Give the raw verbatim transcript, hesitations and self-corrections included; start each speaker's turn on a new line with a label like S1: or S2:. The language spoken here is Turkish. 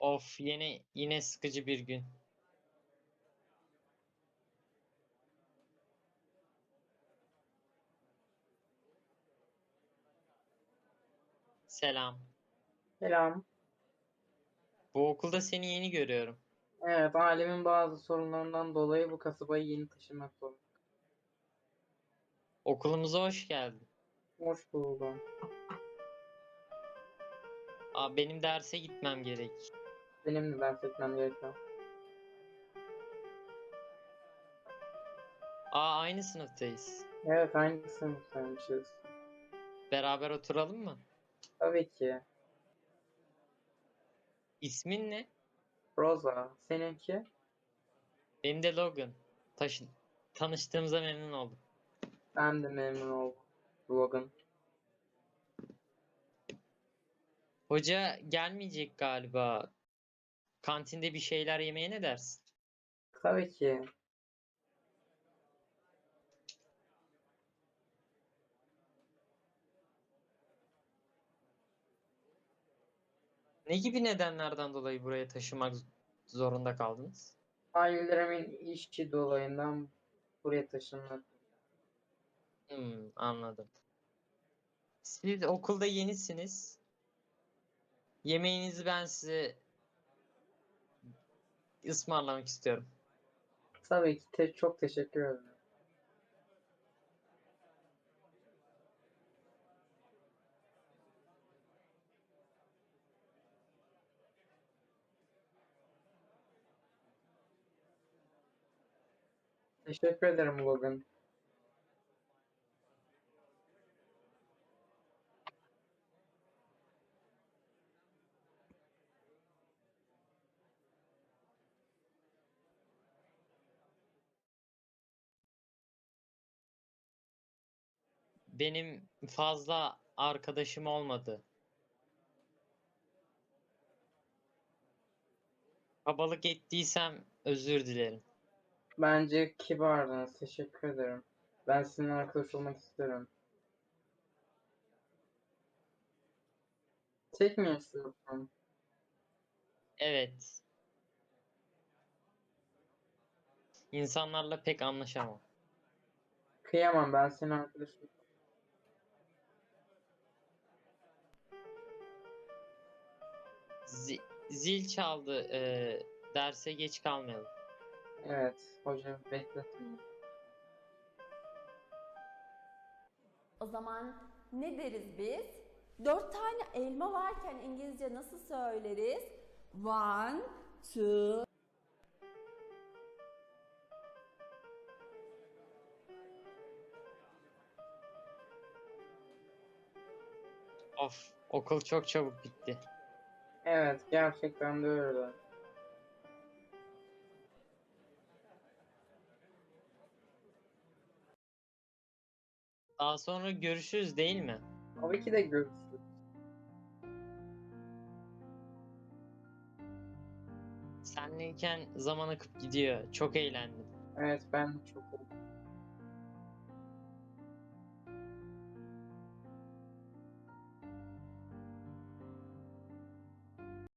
S1: Of, yine yine sıkıcı bir gün. Selam.
S2: Selam.
S1: Bu okulda seni yeni görüyorum.
S2: Evet, ailemin bazı sorunlarından dolayı bu kasabaya yeni taşınmak zorunda.
S1: Okulumuza hoş geldin.
S2: Hoş buldum.
S1: Aa, benim derse gitmem gerek.
S2: Benim de ders etmem gerekiyor.
S1: Aa, aynı sınıftayız.
S2: Evet, aynı sınıftaymışız.
S1: Beraber oturalım mı?
S2: Tabii ki.
S1: İsmin ne?
S2: Rosa, seninki?
S1: Benim de Logan. Taşın. Tanıştığımıza memnun oldum.
S2: Ben de memnun oldum. Logan.
S1: Hoca gelmeyecek galiba. Kantinde bir şeyler yemeye ne dersin?
S2: Tabii ki.
S1: Ne gibi nedenlerden dolayı buraya taşımak zorunda kaldınız?
S2: Ailelerimin işi dolayından buraya taşınmak.
S1: Hmm, anladım. Siz okulda yenisiniz. Yemeğinizi ben size ısmarlamak istiyorum.
S2: Tabii ki. Te- çok teşekkür ederim. Teşekkür ederim Logan.
S1: Benim fazla arkadaşım olmadı. Kabalık ettiysem özür dilerim.
S2: Bence kibardınız. Teşekkür ederim. Ben sizinle arkadaş olmak isterim. Tek mi yaşıyorsun?
S1: Evet, insanlarla pek anlaşamam.
S2: Kıyamam, ben senin arkadaşım.
S1: Zi- zil çaldı. Ee, derse geç kalmayalım.
S2: Evet, hocam bekletin.
S3: O zaman ne deriz biz? Dört tane elma varken İngilizce nasıl söyleriz? One, two.
S1: Of, okul çok çabuk bitti.
S2: Evet, gerçekten de öyle.
S1: Daha sonra görüşürüz değil mi?
S2: Tabii ki de görüşürüz.
S1: Senleyken zaman akıp gidiyor. Çok eğlendim.
S2: Evet, ben de çok